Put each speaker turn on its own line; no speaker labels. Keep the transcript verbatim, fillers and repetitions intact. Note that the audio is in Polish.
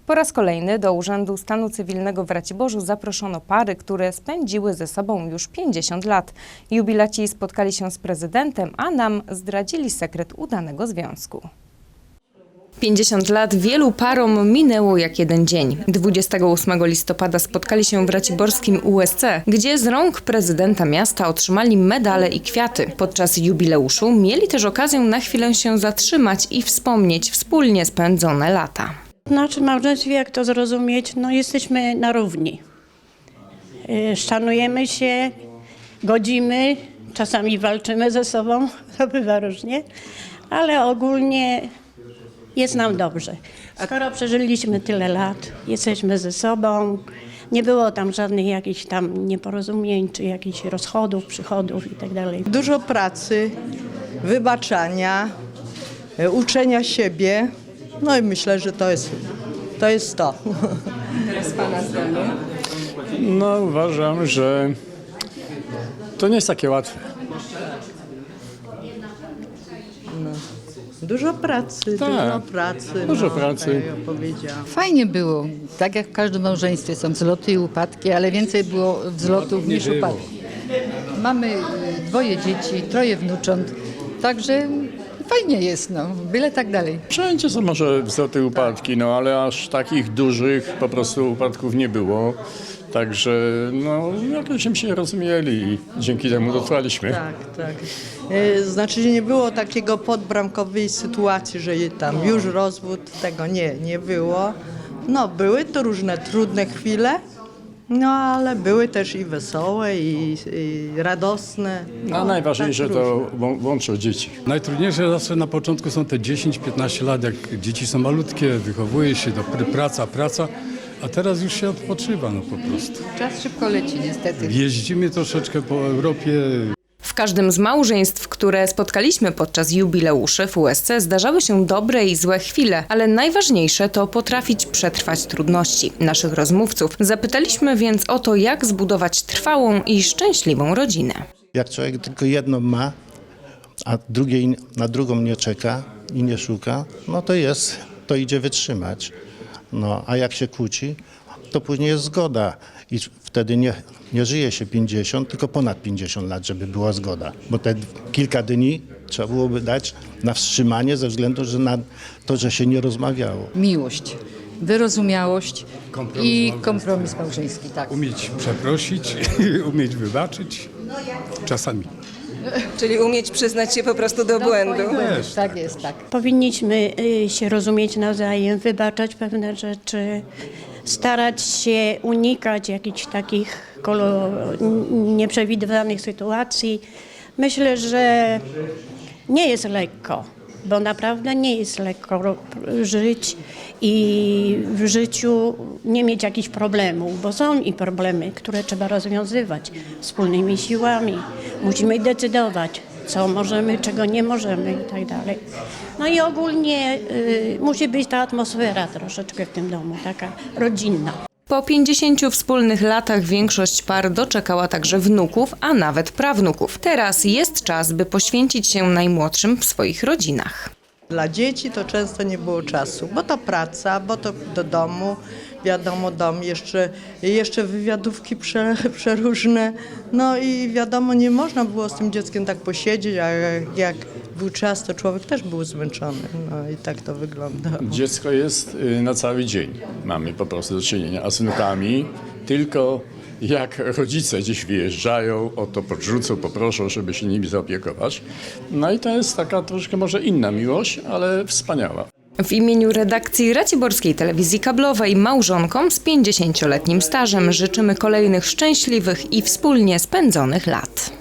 Po raz kolejny do Urzędu Stanu Cywilnego w Raciborzu zaproszono pary, które spędziły ze sobą już pięćdziesiąt lat. Jubilaci spotkali się z prezydentem, a nam zdradzili sekret udanego związku. pięćdziesiąt lat wielu parom minęło jak jeden dzień. dwudziestego ósmego listopada spotkali się w raciborskim U S C, gdzie z rąk prezydenta miasta otrzymali medale i kwiaty. Podczas jubileuszu mieli też okazję na chwilę się zatrzymać i wspomnieć wspólnie spędzone lata.
Znaczy małżeństwie, jak to zrozumieć, no jesteśmy na równi. Yy, Szanujemy się, godzimy, czasami walczymy ze sobą, to bywa różnie, ale ogólnie jest nam dobrze. Skoro przeżyliśmy tyle lat, jesteśmy ze sobą, nie było tam żadnych jakichś tam nieporozumień, czy jakichś rozchodów, przychodów i tak dalej.
Dużo pracy, wybaczania, e, uczenia siebie, no i myślę, że to jest to. Jest to.
Teraz pana zdanie.
No uważam, że to nie jest takie łatwe.
Dużo pracy,
Tak,
dużo pracy.
dużo
no,
pracy.
Tak jak powiedziałam.
Fajnie było. Tak jak w każdym małżeństwie są wzloty i upadki, ale więcej było wzlotów niż
było.
upadków. Mamy y, dwoje dzieci, troje wnucząt, także fajnie jest, no, byle tak dalej.
Wszędzie są może wzloty, upadki, no ale aż takich dużych po prostu upadków nie było. Także no jakoś się rozumieli i dzięki temu dotrwaliśmy.
Tak, tak. E, Znaczy nie było takiego podbramkowej sytuacji, że je tam już rozwód, tego nie, nie było. No były to różne trudne chwile, no ale były też i wesołe, i, i radosne.
A
No,
najważniejsze
tak
to
różne.
łą- łączą dzieci.
Najtrudniejsze zawsze na początku są te dziesięć piętnaście lat, jak dzieci są malutkie, wychowuje się, do pr- praca, praca, a teraz już się odpoczywa no po prostu.
Czas szybko leci niestety.
Jeździmy troszeczkę po Europie.
W każdym z małżeństw, które spotkaliśmy podczas jubileuszy w U S C, zdarzały się dobre i złe chwile, ale najważniejsze to potrafić przetrwać trudności. Naszych rozmówców zapytaliśmy więc o to, jak zbudować trwałą i szczęśliwą rodzinę.
Jak człowiek tylko jedną ma, a drugiej, na drugą nie czeka i nie szuka, no to jest, to idzie wytrzymać. No, a jak się kłóci, to później jest zgoda i wtedy nie, nie żyje się pięćdziesiąt, tylko ponad pięćdziesiąt lat, żeby była zgoda. Bo te kilka dni trzeba byłoby dać na wstrzymanie ze względu że na to, że się nie rozmawiało.
Miłość, wyrozumiałość i kompromis małżeński, tak.
Umieć przeprosić, umieć wybaczyć, czasami.
Czyli umieć przyznać się po prostu do błędu.
Też, tak jest, tak.
Powinniśmy y, się rozumieć nawzajem, wybaczać pewne rzeczy, starać się unikać jakichś takich kolo- nieprzewidywanych sytuacji. Myślę, że nie jest lekko, bo naprawdę nie jest lekko ro- żyć i w życiu nie mieć jakichś problemów, bo są i problemy, które trzeba rozwiązywać wspólnymi siłami. Musimy decydować, co możemy, czego nie możemy i tak dalej. No i ogólnie y, musi być ta atmosfera troszeczkę w tym domu, taka rodzinna.
Po pięćdziesięciu wspólnych latach większość par doczekała także wnuków, a nawet prawnuków. Teraz jest czas, by poświęcić się najmłodszym w swoich rodzinach.
Dla dzieci to często nie było czasu, bo to praca, bo to do domu, wiadomo dom, jeszcze, jeszcze wywiadówki prze, przeróżne. No i wiadomo, nie można było z tym dzieckiem tak posiedzieć, a jak, jak był czas, to człowiek też był zmęczony. No i tak to wygląda.
Dziecko jest y, na cały dzień. Mamy po prostu do czynienia, a z wnukami tylko jak rodzice gdzieś wyjeżdżają, o to podrzucą, poproszą, żeby się nimi zaopiekować. No i to jest taka troszkę może inna miłość, ale wspaniała.
W imieniu redakcji Raciborskiej Telewizji Kablowej małżonkom z pięćdziesięcioletnim stażem życzymy kolejnych szczęśliwych i wspólnie spędzonych lat.